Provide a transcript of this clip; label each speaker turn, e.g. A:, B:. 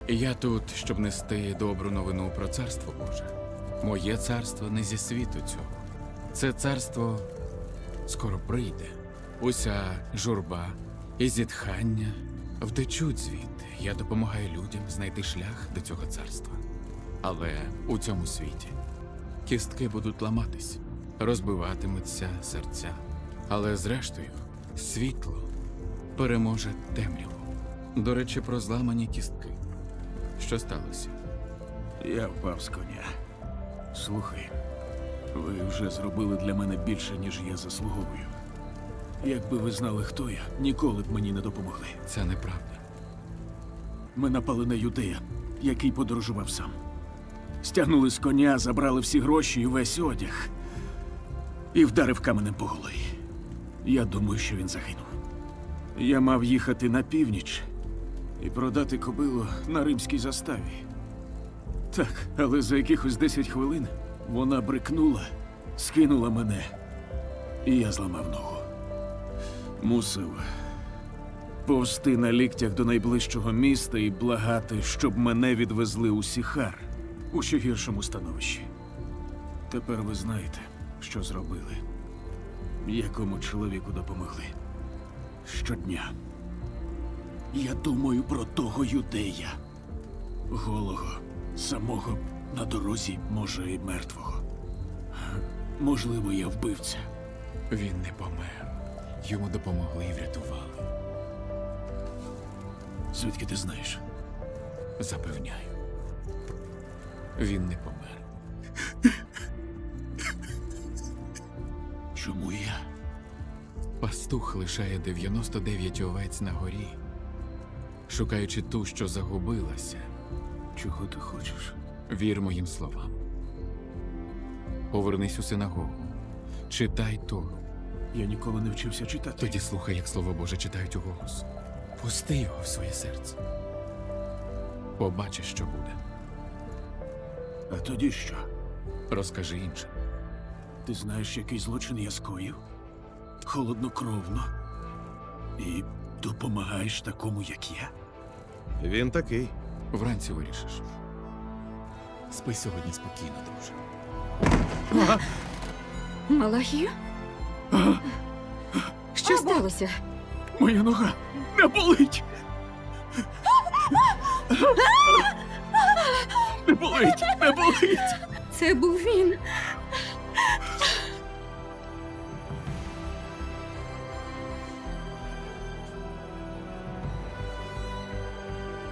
A: Я тут, щоб нести добру новину про царство Боже. Моє царство не зі світу цього. Це царство скоро прийде. Уся журба і зітхання втечуть звідти. Я допомагаю людям знайти шлях до цього царства. Але у цьому світі кістки будуть ламатись, розбиватимуться серця. Але зрештою світло переможе темряву. До речі, про зламані кістки. Що сталося?
B: Я впав з коня. Слухай, ви вже зробили для мене більше, ніж я заслуговую. Якби ви знали, хто я, ніколи б мені не допомогли.
A: Це неправда.
B: Ми напали на юдея, який подорожував сам. Стягнули з коня, забрали всі гроші і весь одяг. І вдарив каменем по голові. Я думаю, що він загинув. Я мав їхати на північ і продати кобилу на римській заставі. Так, але за якихось 10 хвилин вона брикнула, скинула мене, і я зламав ногу. Мусив повзти на ліктях до найближчого міста і благати, щоб мене відвезли у Сіхар, у ще гіршому становищі. Тепер ви знаєте, що зробили, якому чоловіку допомогли. Щодня я думаю про того юдея, голого, самого на дорозі, може, і мертвого. Можливо, я вбивця.
A: Він не помер. Йому допомогли і врятували.
B: Звідки ти знаєш?
A: Запевняю. Він не помер.
B: Чому я?
A: Пастух лишає 99 овець на горі, шукаючи ту, що загубилася.
B: Чого ти хочеш?
A: Вір моїм словам. Повернись у синагогу. Читай Тору.
B: Я ніколи не вчився читати.
A: Тоді слухай, як Слово Боже читають уголос. Пусти його в своє серце. Побачиш, що буде.
B: А тоді що?
A: Розкажи іншим.
B: Ти знаєш, який злочин я скоїв? Холоднокровно. І допомагаєш такому, як я?
C: Він такий.
A: Вранці вирішиш. Спи сьогодні спокійно, друже.
D: Малахію? Що сталося?
B: Моя нога не болить! Не болить! Не болить!
D: Це був він.